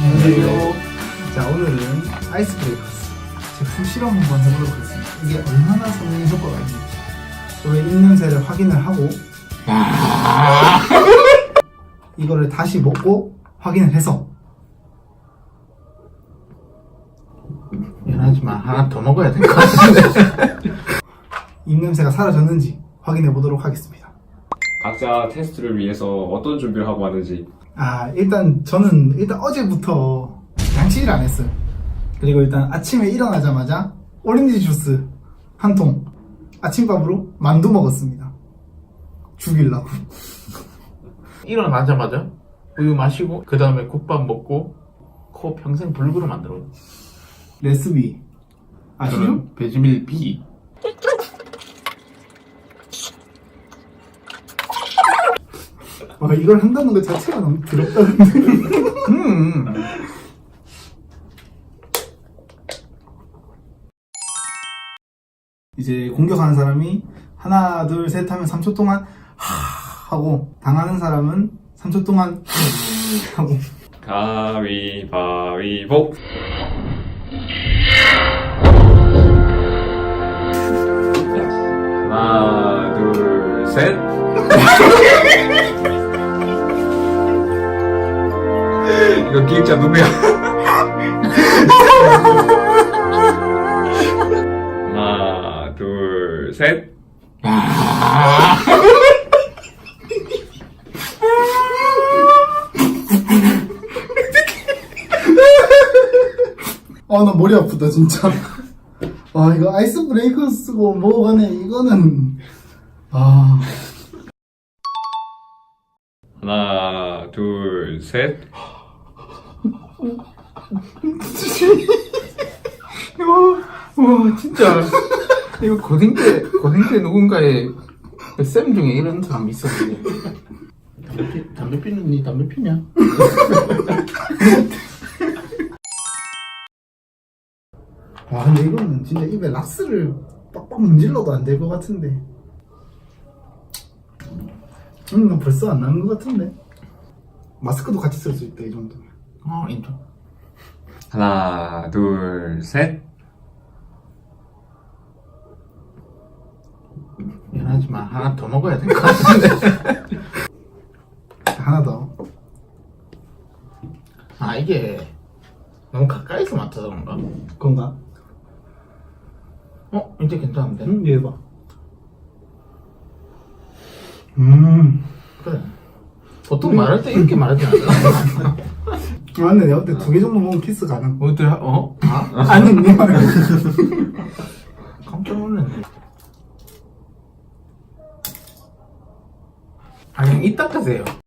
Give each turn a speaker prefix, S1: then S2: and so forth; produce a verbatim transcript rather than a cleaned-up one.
S1: 안녕하세요. 자, 오늘은 아이스 브레이커스 제품 실험 한번 해보도록 하겠습니다. 이게 얼마나 성능 효과가 있는지 저의 입냄새를 확인을 하고 이거를 다시 먹고 확인을 해서
S2: 미안하지만 하나 더 먹어야 될 것 같은데.
S1: 입냄새가 사라졌는지 확인해 보도록 하겠습니다.
S3: 각자 테스트를 위해서 어떤 준비를 하고 왔는지.
S1: 아, 일단 저는 일단 어제부터 양치질 안 했어요. 그리고 일단 아침에 일어나자마자 오렌지 주스 한 통, 아침밥으로 만두 먹었습니다. 죽이려고.
S2: 일어나자마자 우유 마시고 그 다음에 국밥 먹고 코 평생 불구로 만들어.
S1: 레스비 아시죠?
S2: 저는 베지밀 B.
S1: 와, 이걸 한다는 것 자체가 너무 더럽다는데.
S2: 음.
S1: 이제 공격하는 사람이 하나 둘 셋 하면 삼 초 동안 하 하고 당하는 사람은 삼 초 동안 하고.
S3: 가위바위보. 하나, 둘, 셋. 이거 기획자 누구야? 하나, 둘, 셋.
S1: 아, 나 머리 아프다 진짜. 와, 이거 아이스 브레이커 쓰고 먹어가네. 이거는 아.
S3: 하나, 둘, 셋.
S2: 와 진짜 이거 고딩 때 고딩 때 누군가의 쌤 중에 이런 사람이 있었는데. 담배 피 담배 피는 니 담배 피냐?
S1: 와, 근데 이거는 진짜 입에 락스를 빡빡 문질러도 안 될 것 같은데. 음, 나 벌써 안 나는 것 같은데. 마스크도 같이 쓸 수 있다, 이 정도면.
S2: 어 인정.
S3: 하나, 둘, 셋.
S2: 미안하지만 하나 더 먹어야 될 것 같은데.
S1: 하나 더.
S2: 아 이게 너무 가까이서 맡아서 그런가?
S1: 그건가?
S2: 어 이제 괜찮은데?
S1: 응, 얘 봐. 음.
S2: 그래. 보통 말할 때 이렇게 말하지 않아?
S1: 맞네, 내가 그때 두 개 정도 먹으면 키스 가능.
S2: 어때? 어? 아?
S1: 아니, 네 말고.
S2: 깜짝 놀랐네. 아 그냥 이따 가세요.